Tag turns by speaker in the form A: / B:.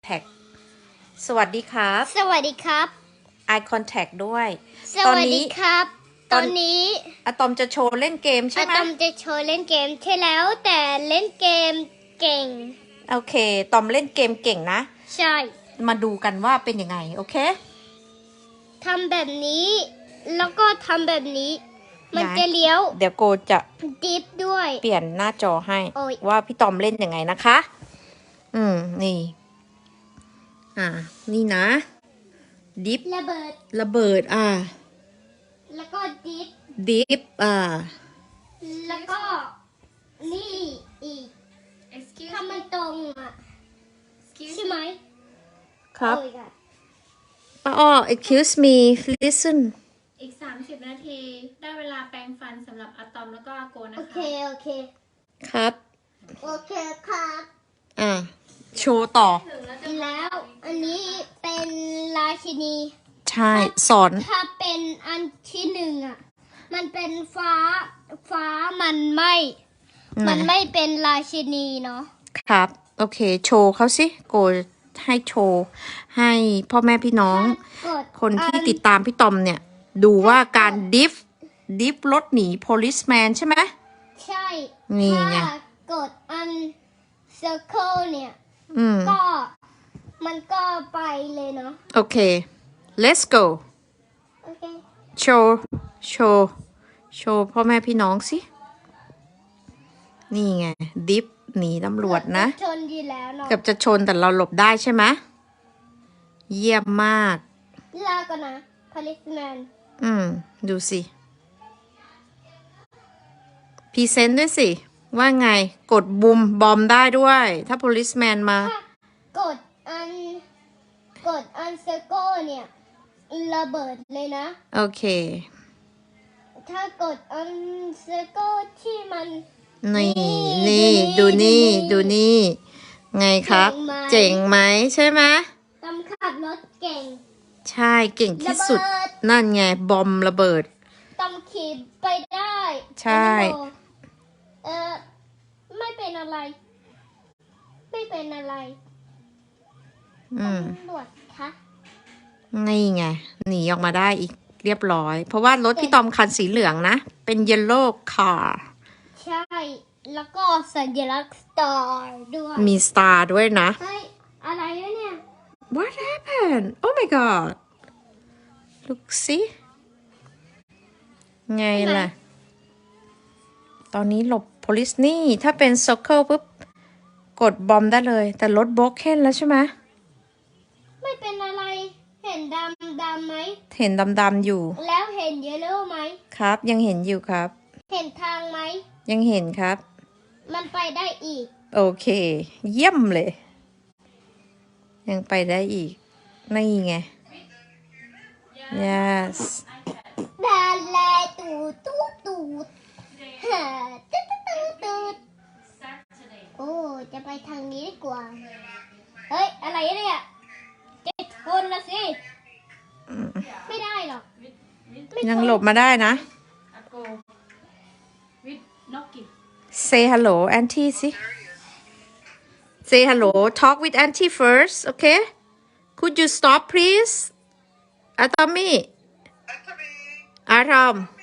A: contact สวัสดีครับ
B: สวัสดีครับ
A: eye contact ด้วย
B: สวัสดีครับ ตอนนี้
A: อะตอมจะโชว์เล่นเกมใช่ไหม
B: อะตอมจะโชว์เล่นเกมใช่แล้วแต่เล่นเกมเก่ง
A: โอเค ตอมเล่นเกมเก่งนะ
B: ใช่
A: มาดูกันว่าเป็นยังไง โอเค
B: ทำแบบนี้ แล้วก็ทำแบบนี้ มันจะเลี้ยว
A: เดี๋ยวโกจะ
B: ดิฟด้วย
A: เปลี่ยนหน้าจอให้
B: โอ้ย
A: ว่าพี่ตอมเล่นยังไงนะคะ นี่ นี่นะ ดิฟ
B: ระเบิด
A: ระเบิด
B: แล้วก็ดิฟ
A: ดิฟ
B: แล้วก็นี่อีก
C: Excuse
B: ถ้ามันตรงอ่ะ
C: Excuse
B: ใช่ไหม
A: ครับ
B: โอ้ยค่ะ
A: excuse me listen
C: อีก 30 นาที ได้เวลาแปรงฟันสำหรับอะตอมแล้วก็อาโกนะ
B: โอ
C: คะ
B: เค โอเค
A: ครับ
B: โอเคครับ
A: โชว์ต่อ
B: แล้ว อันนี้เป็นราชินี
A: ใช่ สอน
B: ถ้าเป็นอันที่หนึ่งอ่ะ มันเป็นฟ้ามันไม่เป็นราชินีเนาะ
A: ครับ โอเค โชว์เขาสิ โกให้โชว์ ให้พ่อแม่พี่น้อง
B: กด
A: คนที่ติดตามพี่ตอมเนี่ย ดูว่าการดิฟรถหนี policeman ใช่ไหม
B: ใช่
A: นี่ไง
B: ถ้ากดอัน circle เนี่ย ก็ มันก็ไปเลยเนาะ
A: โอเค let's go
B: โอเค
A: โชว์พ่อแม่พี่น้องสิ นี่ไง ดิฟหนีตำรวจนะ
B: ชนดีแล้วเนาะ
A: เกือบจะชนแต่เราหลบได้ใช่ไหม เยี่ยมมาก
B: ลาก่อนนะ policeman
A: ดูสิพรีเซนต์ด้วยสิ ว่าไง กดบุมบอมได้ด้วย ถ้า policeman มา
B: ถ้ากดอัน circle เนี่ยระเบิดเลยนะ
A: โอเค
B: ถ้ากดอัน circle ที่มัน
A: นี่ ดูนี่ ไงครับ เจ๋งไหมใช่ไหม
B: ตำขับรถเก่ง
A: ใช่เก่งที่สุด
B: ระเบิด
A: นั่นไง บอมระเบิด
B: ตำขี่ไปได้
A: ใช่
B: ไม่เป็นอะไร ไม่เป็นอะไรตำรวจคะ
A: นี่ไง หนีออกมาได้อีกเรียบร้อย เพราะว่ารถพี่ตอมคันสีเหลืองนะ เป็น yellow car
B: ใช่ แล้วก็สัญลักษณ์ star ด้วย
A: มีสตาร์ด้วยนะ
B: เฮ้ย อะไรวะเนี่ย
A: What happened? Oh my god. Look see. ไงล่ะ ตอนนี้หลบ police นี่ ถ้าเป็น circle ปุ๊บ กดบอมได้เลย แต่รถโบกเคนแล้วใช่ไหม
B: ไม่เป็นอะไร เห็นดำไหม
A: เห็นดำๆอยู่
B: แล้วเห็นเยลโล่ไหม
A: ครับ ยังเห็นอยู่ครับ
B: เห็นทางไหม
A: ยังเห็นครับ
B: มันไปได้อีก
A: โอเค เยี่ยมเลย ยังไปได้อีก นี่ไง yes
B: ดาแลตูดฮะตูด
C: Saturday
B: โอ้ จะไปทางนี้ดีกว่า เฮ้ย อะไรเนี่ยจะชนละสิ ไม่ได้หรอก
C: with
A: ยังหลบมาได้นะ
C: อาโก with Noki
A: Say hello auntie สิ Say hello talk with auntie first okay Could you stop please Atami Atom